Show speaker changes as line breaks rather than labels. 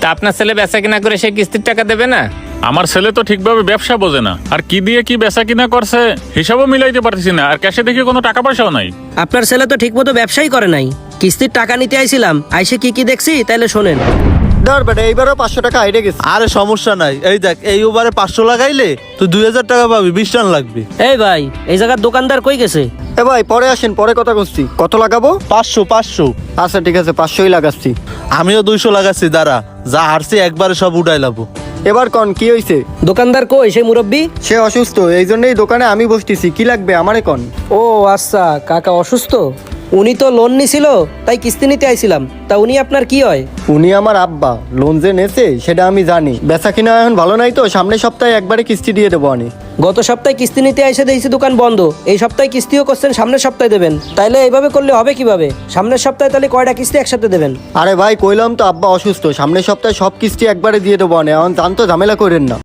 তা আপনার ছেলে বেচা কিনা করে সে কিস্তির টাকা দেবে না?
আমার ছেলে তো ঠিকভাবে ব্যবসা বোঝে না, আর কি দিয়ে কি বেচা কিনা করছে হিসাবও মিলাইতে পারতেছি না, আর ক্যাশে দেখি কোনো টাকা পয়সাও নাই।
আপনার ছেলে তো ঠিকমতো ব্যবসাই করে নাই। কিস্তির টাকা নিতে আইছিলাম, আইসে কি দেখছি তাইলে শোনেন।
ধর বেটা, এইবারও 500 টাকা আইডে গেছে।
আরে সমস্যা নাই, এই দেখ এই ওভারে 500 লাগাইলে তুই 2000 টাকা পাবি, 20 টান লাগবে।
এই ভাই, এই জায়গার দোকানদার কই গেছে?
এ ভাই পরে আসেন, পরে কথা করছি। কত লাগাবো?
500
আচ্ছা ঠিক আছে, 500ই লাগাচ্ছি।
আমিও 200 লাগাচ্ছি, দাঁড়া যা হারছি একবারে সব উঠাই লাবো।
এবার কন কি হইছে?
দোকানদার কই সেই মুরব্বি?
সে অসুস্থ, এই জন্যই দোকানে আমি বসতেছি। কি লাগবে আমারে কন?
ও আচ্ছা, কাকা অসুস্থ। উনি তো লোন নিছিল, তাই কিস্তি নিতে আইছিলাম। তা উনি আপনার কি হয়?
উনি আমার আব্বা। লোন যে নেছে সেটা আমি জানি। বেচা কিনা এখন ভালো নাই তো, সামনের সপ্তাহে একবারে কিস্তি দিয়ে দেবো আমি।
গত সপ্তাহে কিস্তি নিতে এসে দেখছি দোকান বন্ধ। এই সপ্তাহে কিস্তিও করছেন, সামনের সপ্তাহে দেবেন। তাইলে এইভাবে করলে হবে কিভাবে? সামনের সপ্তাহে তাহলে কয়টা কিস্তি একসাথে দেবেন?
আরে ভাই কইলাম তো আব্বা অসুস্থ, সামনের সপ্তাহে সব কিস্তি একবারে দিয়ে দেবো আমি। এখন জানতো ঝামেলা করেন না।